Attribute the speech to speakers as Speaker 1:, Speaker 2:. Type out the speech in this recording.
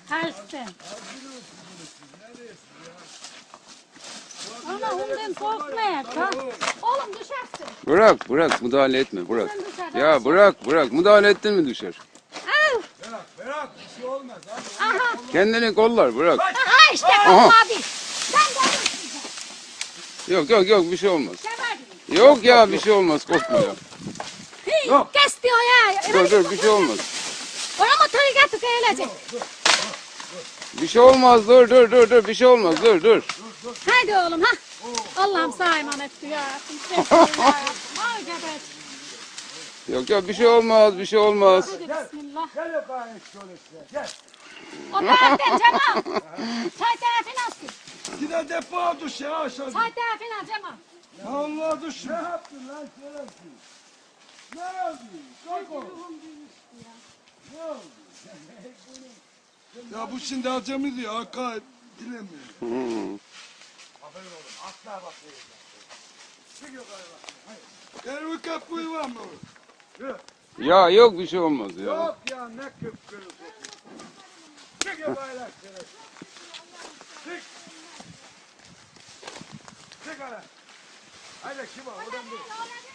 Speaker 1: Tersten. Ama ondan korkmayak ha. Oğlum düşersin.
Speaker 2: Bırak müdahale etme bırak. Ya bırak müdahale ettin mi düşer.
Speaker 1: Al.
Speaker 3: Bırak bir şey olmaz.
Speaker 1: Aha.
Speaker 2: Kendini kollar bırak.
Speaker 1: Aha işte korkma abi. Sen de olursun.
Speaker 2: Yok bir şey olmaz.
Speaker 1: Sever.
Speaker 2: Yok ya bir şey olmaz korkma ya.
Speaker 1: Yok. Kes diyor ya.
Speaker 2: Dur bir şey olmaz.
Speaker 1: Ona motoru getir gelecek.
Speaker 2: Bir şey olmaz dur bir şey olmaz dur.
Speaker 1: Haydi oğlum ha. Allah'ım sana emanet ya. Ay gebet.
Speaker 2: Yok bir şey olmaz.
Speaker 1: Hadi bismillah.
Speaker 3: Gel bakayım şöyle gel.
Speaker 1: O taraftan Cemal. Çay tarafını alsın.
Speaker 3: Yine depo düş ya aşağı.
Speaker 1: Çay tarafını al Cemal.
Speaker 3: Allah düş. Ne yaptın lan şerefsiz? Ne oldu? Kalk oğlum. Ne oldu? Ya bu şimdi acemi diyor. Hakka dilemiyor. Aferin oğlum. Asla bak. Çık yukarı bak. Hayır. Bir kapıyı var mı? Yok.
Speaker 2: Ya yok bir şey olmaz ya.
Speaker 3: Yok ya ne kıpkırmızı. Çık yukarı lan şerefsiz. Çık. Çık hele. Haydi kim var? Oradan bir.